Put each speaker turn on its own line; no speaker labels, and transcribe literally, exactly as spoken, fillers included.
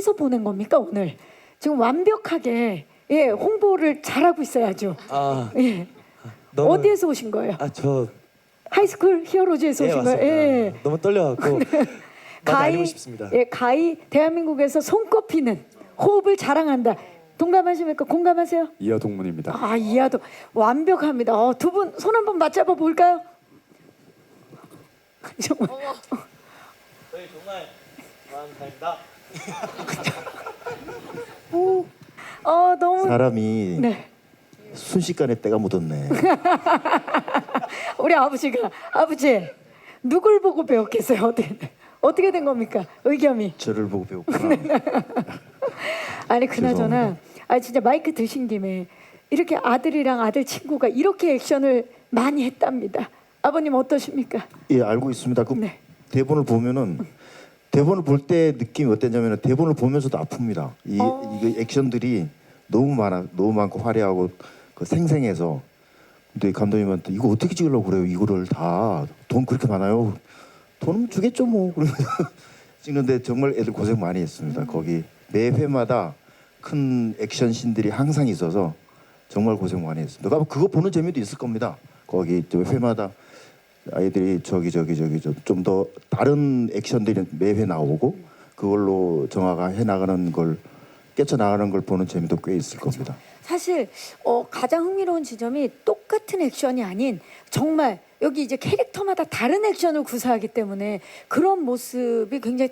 어디서 보낸 겁니까 오늘? 지금 완벽하게 예 홍보를 잘하고 있어야죠.
아,
예.
너무,
어디에서 오신 거예요?
아, 저
하이스쿨 히어로즈에서
예,
오신 거예요?
맞습니다.
예.
너무 떨려갖고 많이 알리고 싶습니다.
예, 가히 대한민국에서 손꼽히는 호흡을 자랑한다. 동감하십니까? 공감하세요?
이하 동문입니다.
아, 이하도 완벽합니다. 어, 두 분 손 한번 맞잡아 볼까요? 정말.
저희 정말 감사합니다.
어, 너무
사람이
네.
순식간에 때가 묻었네.
우리 아버지가 아버지 누굴 보고 배웠겠어요? 어떻게 어떻게 된 겁니까? 의겸이.
저를 보고 배웠구나.
아니 그나저나
죄송합니다.
아 진짜 마이크 드신 김에 이렇게 아들이랑 아들 친구가 이렇게 액션을 많이 했답니다. 아버님 어떠십니까?
예, 알고 있습니다. 그
네.
대본을 보면은 대본을 볼 때 느낌이 어땠냐면 대본을 보면서도 아픕니다. 이
어.
이거 액션들이 너무 많아, 너무 많고 화려하고 그 생생해서. 근데 감독님한테 이거 어떻게 찍으려고 그래요? 이거를 다 돈 그렇게 많아요? 돈 주겠죠 뭐. 그러면서 찍는데 정말 애들 고생 많이 했습니다. 거기 매 회마다 큰 액션 씬들이 항상 있어서 정말 고생 많이 했습니다. 그러니까 그거 보는 재미도 있을 겁니다. 거기 저 회마다 아이들이 저기 저기 저기 좀 더 다른 액션들이 매회 나오고 그걸로 정화가 해 나가는 걸 깨쳐 나가는 걸 보는 재미도 꽤 있을 겁니다.
사실 어, 가장 흥미로운 지점이 똑같은 액션이 아닌 정말 여기 이제 캐릭터마다 다른 액션을 구사하기 때문에 그런 모습이 굉장히